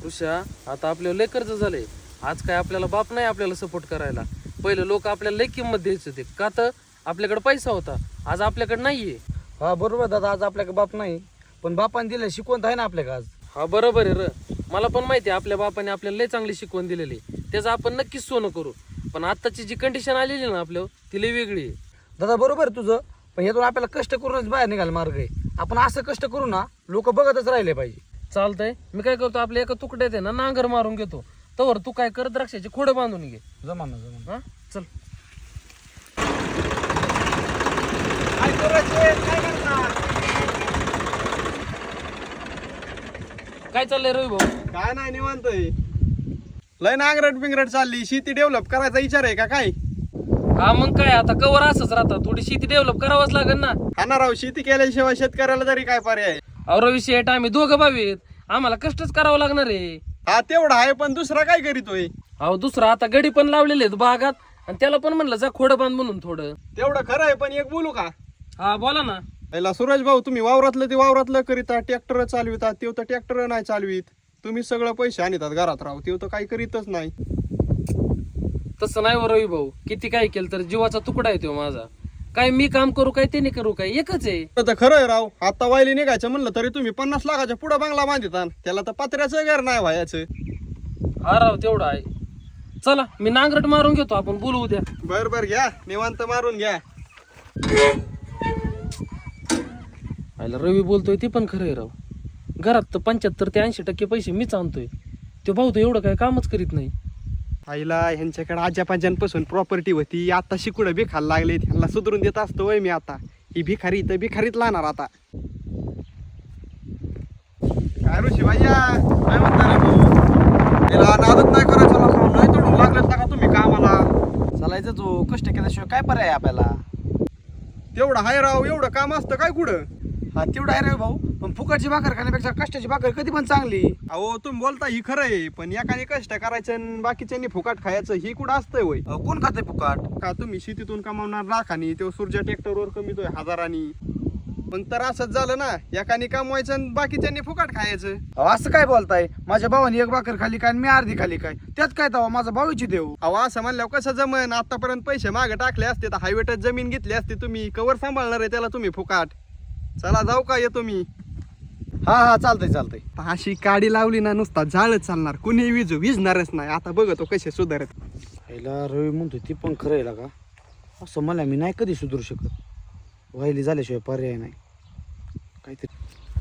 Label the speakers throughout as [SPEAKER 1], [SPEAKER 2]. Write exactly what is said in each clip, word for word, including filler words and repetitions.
[SPEAKER 1] ऋषा आता आपल्याला लय कर्ज झालंय. आज काय आपल्याला बाप नाही आपल्याला सपोर्ट करायला. पहिलं लोक आपल्याला लय किंमत द्यायचे होते का तर आपल्याकडे पैसा होता. आज आपल्याकडे नाहीये.
[SPEAKER 2] हा बरोबर दादा, आज आपल्याकडे बाप नाही पण बापाने दिलं शिकवण आहे ना आपल्याकडे आज.
[SPEAKER 1] हा बरोबर आहे र. मला पण माहिती आहे आपल्या बापाने आपल्याला लय चांगली शिकवण दिलेली. त्याचं आपण नक्कीच सोनं करू. पण आताची जी कंडिशन आलेली ना आपल्या ती लय वेगळी आहे.
[SPEAKER 2] दादा बरोबर आहे तुझं, पण यातून आपल्याला कष्ट करूनच बाहेर निघाल मार्ग आहे. आपण असं कष्ट करू ना लोक बघतच राहिले पाहिजे.
[SPEAKER 1] चालतंय. मी काय करतो आपल्या एका तुकड्यात आहे ना नांगर मारून घेतो. तवर तू काय कर द्राक्षाची खोडं बांधून घे.
[SPEAKER 2] जमा ना जमा.
[SPEAKER 1] हा चल. काय चाललंय रवी भाऊ?
[SPEAKER 3] काय नाही निवांतय. लय नांगरट बिंगरट चालली. शेती डेव्हलप करायचा विचार आहे का काय?
[SPEAKER 1] हा मग काय आता कवर असंच राहतात. थोडी शेती डेव्हलप करावंच लागेल ना.
[SPEAKER 3] हा ना राव, शेती केल्याशिवाय शेतकऱ्याला तरी काय पर्याय?
[SPEAKER 1] अहो रवी शेठ आम्ही दोघं भावी आहेत. आम्हाला कष्टच करावं लागणार आहे.
[SPEAKER 3] हा तेवढा आहे, पण दुसरा काय करीतोय?
[SPEAKER 1] अहो दुसरा आता गडी पण लावलेले आहेत बागात आणि त्याला पण म्हणलं जा खोडं बांध म्हणून थोडं.
[SPEAKER 3] तेवढं खरं आहे, पण एक बोलू का?
[SPEAKER 1] हा बोला ना.
[SPEAKER 3] पहिला सूरज भाऊ, तुम्ही वावरातलं ते वावरातलं करीता, ट्रॅक्टर चालवितात, तेव तर ट्रॅक्टर नाही चालवीत. तुम्ही सगळं पैसे आणतात घरात राव, तेव तर काही करीतच नाही.
[SPEAKER 1] तसं नाही हो रवी भाऊ. किती काय केलं तर जीवाचा तुकडा आहे तो माझा. काय मी काम करू काय त्याने करू काय एकच आहे.
[SPEAKER 3] तर खरं आहे राव. आता वायली निघायचं म्हणलं तरी तुम्ही पन्नास लाखाच्या पुढे बंगला बांधिता. त्याला तर पत्र्याचं घर नाही व्हायचं.
[SPEAKER 1] हा राव तेवढा आहे. चला मी नांगरट मारून घेतो, आपण बोलू उद्या.
[SPEAKER 3] बर बर घ्या, निवांत मारून घ्या.
[SPEAKER 1] आयला रवी बोलतोय ते पण खरं आहे राव. घरात तर पंच्याहत्तर ते ऐंशी टक्के पैसे मीच आणतोय. तो भाऊ तर एवढं काय कामच करीत नाही.
[SPEAKER 3] आईला ह्यांच्याकडे आजापाजांपासून प्रॉपर्टी होती. आता शिकुडं भिखायला लागले. ह्यांना सुधरून देत असतो वय मी. आता ही भिखारी तर भिखारीत लागणार आता. काय ऋषी भैया, काय म्हणता रे भाऊ? त्याला नादच नाही करायचा ना, नाही तोडून लागलेत का तुम्ही कामाला?
[SPEAKER 2] चालायचं तो, कष्ट केल्याशिवाय काय पर्याय आहे आपल्याला?
[SPEAKER 3] तेवढं हाय राव. एवढं काम असतं काय कुठं?
[SPEAKER 2] हा तेवढा आहे रे भाऊ, पण फुकटची भाकर खाण्यापेक्षा कष्टाची भाकर कधी पण चांगली.
[SPEAKER 3] अहो तुम्ही बोलता ही खरं आहे, पण एकाने कष्ट करायचं आणि बाकीच्यांनी फुकाट खायचं ही कुठं असतंय वय?
[SPEAKER 2] अहो, कोण खाते फुकट?
[SPEAKER 3] का तुम्ही शेतीतून कमावणार लाखानी, तो सूर्या ट्रॅक्टरवर कमीतोय हजारांनी. मग तर असंच झालं ना, एकाने कमवायचं आणि बाकीच्यांनी फुकाट खायचं.
[SPEAKER 2] अहो, असं काय बोलताय? माझ्या भावाने एक भाकर खाली काय आणि मी अर्धी खाली काय? त्यात काय तवा माझा भाऊची देऊ.
[SPEAKER 3] अहो असं म्हणल्यावर कसं जमन? आतापर्यंत पैसे मागे टाकले असते तर हायवेटच जमीन घेतली असते तुम्ही. कवर सांभाळणार आहे त्याला तुम्ही फुकाट? चला जाऊ का, येतो मी.
[SPEAKER 2] हा हा चालतंय चालतंय.
[SPEAKER 3] अशी काडी लावली ना नुसता झाडच चालणार, कुणी विजू विजणारच नाही. आता बघतो कसे सुधारत.
[SPEAKER 2] पहिला रवी म्हणतो ती पण खरं आहे का? असं मला मी नाही कधी सुधरू शकत. व्हायली झाल्याशिवाय पर्याय नाही. काहीतरी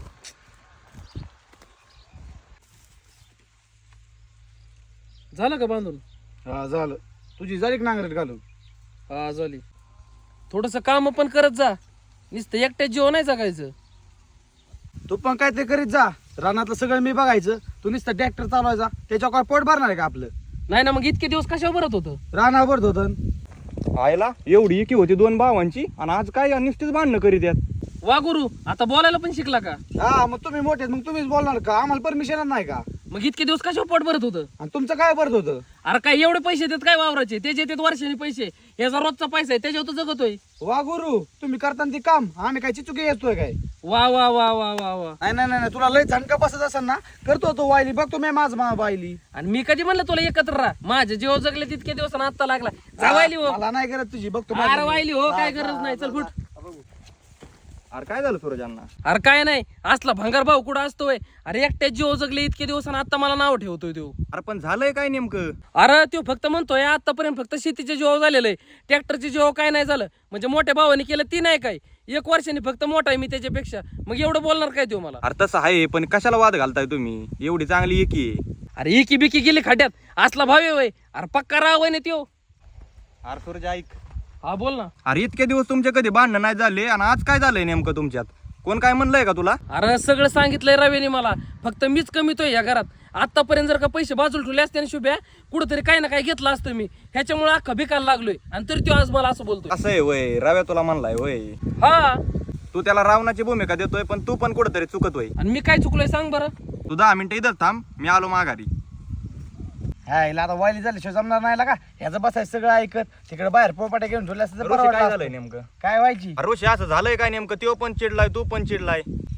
[SPEAKER 1] झालं का बांधून?
[SPEAKER 2] हा झालं. तुझी झाली नांगरट घालून?
[SPEAKER 1] हा झाली. थोडस काम पण करत जा. नुसतं एकट्या जीव नाही जगायचं.
[SPEAKER 2] तू पण काय ते करीत जा. रानातलं सगळं मी बघायचं, तू नुसतं ट्रॅक्टर चालवायचा. त्याच्यावर काय पोट भरणार आहे का आपलं?
[SPEAKER 1] नाही ना, मग इतके दिवस कशावर भरत होतं?
[SPEAKER 2] रानावर भरत होतं.
[SPEAKER 3] आयला एवढी एकी होती दोन भावांची, आणि आज काय नुसतीच भांडणं करीत आहेत.
[SPEAKER 1] वा गुरु, आता बोलायला पण शिकला का?
[SPEAKER 2] हा मग तुम्ही मोठे मग तुम्हीच बोलणार का? आम्हाला परमिशन नाही का?
[SPEAKER 1] मग इतके दिवस कशावर पोट भरत होतं?
[SPEAKER 2] आणि तुमचं काय भरत होतं?
[SPEAKER 1] अरे काय एवढे पैसे देत काय वावराचे? त्याचे येतात वर्षाने पैसे. याचा रोजचा पैसा आहे त्याच्यावर तर जगतोय.
[SPEAKER 2] वा गुरु, तुम्ही करताना ते काम आम्ही काय चिचुके येतोय काय?
[SPEAKER 1] वा वा वा वा वा वा.
[SPEAKER 2] नाही नाही नाही, तुला लय झणका बसत असेल ना, करतो तो वायली बघतो मी माझ मा वायली.
[SPEAKER 1] आणि मी कधी म्हणलं तुला एकत्र राहा? माझे जीव जगले तितके दिवस आणि आत्ता लागला. जा वाहिली हो.
[SPEAKER 2] मला नाही करत तुझी, बघतो
[SPEAKER 1] अरे
[SPEAKER 2] माझी.
[SPEAKER 1] वाहिली हो, काय
[SPEAKER 2] हा,
[SPEAKER 1] गरज
[SPEAKER 2] हा,
[SPEAKER 1] नाही. चल फुट.
[SPEAKER 3] अरे काय झालं सूरजांना?
[SPEAKER 1] अरे काय नाही, असला भंगार भाऊ कुठं असतोय? अरे एकट्याच जीव जगले इतके दिवस आणि आता मला नाव ठेवतोय तो.
[SPEAKER 3] अरे पण झालंय काय नेमकं?
[SPEAKER 1] अरे तो फक्त म्हणतोय आतापर्यंत फक्त शेतीचे जीव झालेलं आहे, ट्रॅक्टरचे जीव काय नाही झालं. म्हणजे मोठ्या भावाने केलं ती नाही काय, एक वर्षाने फक्त मोठा आहे मी त्याच्यापेक्षा. मग एवढं बोलणार काय तो मला?
[SPEAKER 4] अरे तसं आहे, पण कशाला वाद घालताय तुम्ही? एवढी चांगली एकी आहे.
[SPEAKER 1] अरे इकी बिकी गेली खड्ड्यात, असला भावे वय. अरे पक्का राव आहे ना त्यो.
[SPEAKER 4] अरे सूरज ऐक,
[SPEAKER 1] हा बोल ना.
[SPEAKER 4] अरे इतके दिवस तुमचे कधी भांडणं नाही झाले, आणि आज काय झालंय नेमकं तुमच्यात? कोण काय म्हणलंय का तुला?
[SPEAKER 1] अरे सगळं सांगितलंय रवीने मला, फक्त मीच कमीतोय या घरात. आतापर्यंत जर का पैसे बाजूला ठेवले असते ना शुभ्या, कुठंतरी काही ना काही घेतलं असतं मी. ह्याच्यामुळे अख्खा भिकायला लागलोय, आणि तरी तो आज मला असं बोलतोय.
[SPEAKER 4] असं आहे वय? रव्या तुला म्हणलाय वय?
[SPEAKER 1] हा,
[SPEAKER 4] तू त्याला रावणाची भूमिका देतोय, पण तू पण कुठेतरी चुकत होय.
[SPEAKER 1] आणि मी काय चुकलोय सांग बरं?
[SPEAKER 4] तू दहा मिनिटं इथं थांब, मी आलो माघारी.
[SPEAKER 2] हा हिला आता वायली झाल्याशिवाय जमणार नाही का? ह्याचं बसायचं सगळं ऐकत, तिकडे बाहेर पोपाट्या घेऊन ठेवल्या असतं तर
[SPEAKER 4] ऋषी,
[SPEAKER 2] बरं
[SPEAKER 4] काय
[SPEAKER 2] वाटलं
[SPEAKER 4] झालंय
[SPEAKER 2] असतं.
[SPEAKER 4] नेमकं?
[SPEAKER 2] काय व्हायची?
[SPEAKER 4] अरे ऋषी, असं झालंय काय नेमकं? तो पण चिडलाय, तू पण चिडलाय.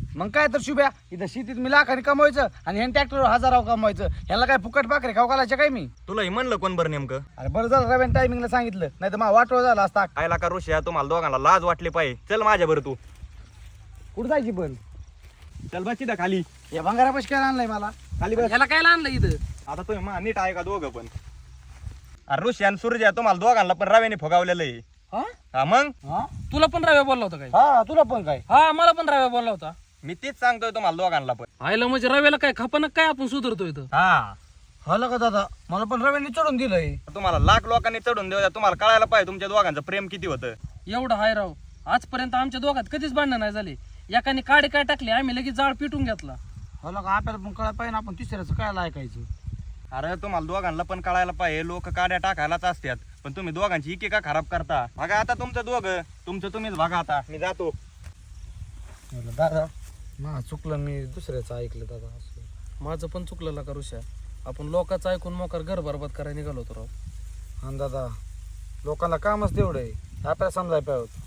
[SPEAKER 2] मग काय तर शुभ्या इथं शेतीत मी लाखाने कमवायचं आणि ह्या ट्रॅक्टरवर हजारावर कमवायचं. ह्याला काय फुकट पाखरे खाऊ घालायचे काय मी?
[SPEAKER 4] तुला हे म्हणलं कोण बरं नेमकं?
[SPEAKER 2] अरे बरं झालं रव्याने टायमिंगला सांगितलं, नाही तर मला वाटवं झालं असता.
[SPEAKER 4] आयला का ऋषा तुम्हाला दोघांना लाज वाटली पाहिजे. चल माझ्या बरं तू.
[SPEAKER 2] कुठं जायची पण?
[SPEAKER 4] चल बस तिथं खाली.
[SPEAKER 2] या भंगारापाशी काय आणलंय मला?
[SPEAKER 4] खाली बस.
[SPEAKER 1] ह्याला काय आणलं इथं?
[SPEAKER 4] आता तुम्ही मा नीट आहे का दोघं पण? अरे ऋषी आणि सूर्य तुम्हाला दोघांना पण रव्याने फुगावलेलं आहे.
[SPEAKER 1] हा
[SPEAKER 4] हा मग
[SPEAKER 2] हा
[SPEAKER 1] तुला पण राव्या बोलला होता काय?
[SPEAKER 2] हा तुला पण काय?
[SPEAKER 1] हा मला पण राव्या बोलला होता.
[SPEAKER 4] मी तेच सांगतोय तुम्हाला दोघांना पण.
[SPEAKER 1] आयला म्हणजे रव्याला काय खपानक काय आपण सुधारतो इथं?
[SPEAKER 4] हा
[SPEAKER 2] हला का दादा, मला पण रव्याने चढून दिलंय.
[SPEAKER 4] तुम्हाला लाख लोकांनी चढून देऊ द्या, तुम्हाला कळायला पाहिजे तुमच्या दोघांचं प्रेम किती होतं.
[SPEAKER 1] एवढं हाय राव, आजपर्यंत आमच्या दोघात कधीच भांडण नाही झाली. एकाने काडे काय टाकले आम्ही लगेच जाळ पिटून घेतला.
[SPEAKER 2] हला का आपल्याला पण कळायला पाहिजे ना, आपण तिसऱ्याचं काय ऐकायचं?
[SPEAKER 4] अरे तुम्हाला दोघांना पण कळायला पाहिजे, लोक काड्या टाकायलाच असतात, पण तुम्ही दोघांची इके का खराब करता? बघा आता तुमचं दोघं, तुमचं तुम्हीच बघा. आता मी जातो.
[SPEAKER 2] म्हणलं, दादा मा चुकलं, मी दुसऱ्याचं ऐकलं दादा. असं
[SPEAKER 1] माझं पण चुकलं का ऋषा, आपण लोकांचं ऐकून मोकार घर बरबाद करायला निघालो होतो राव.
[SPEAKER 2] हा दादा, लोकांना कामच तेवढं आहे, आपल्याला समजायला पाहिजे.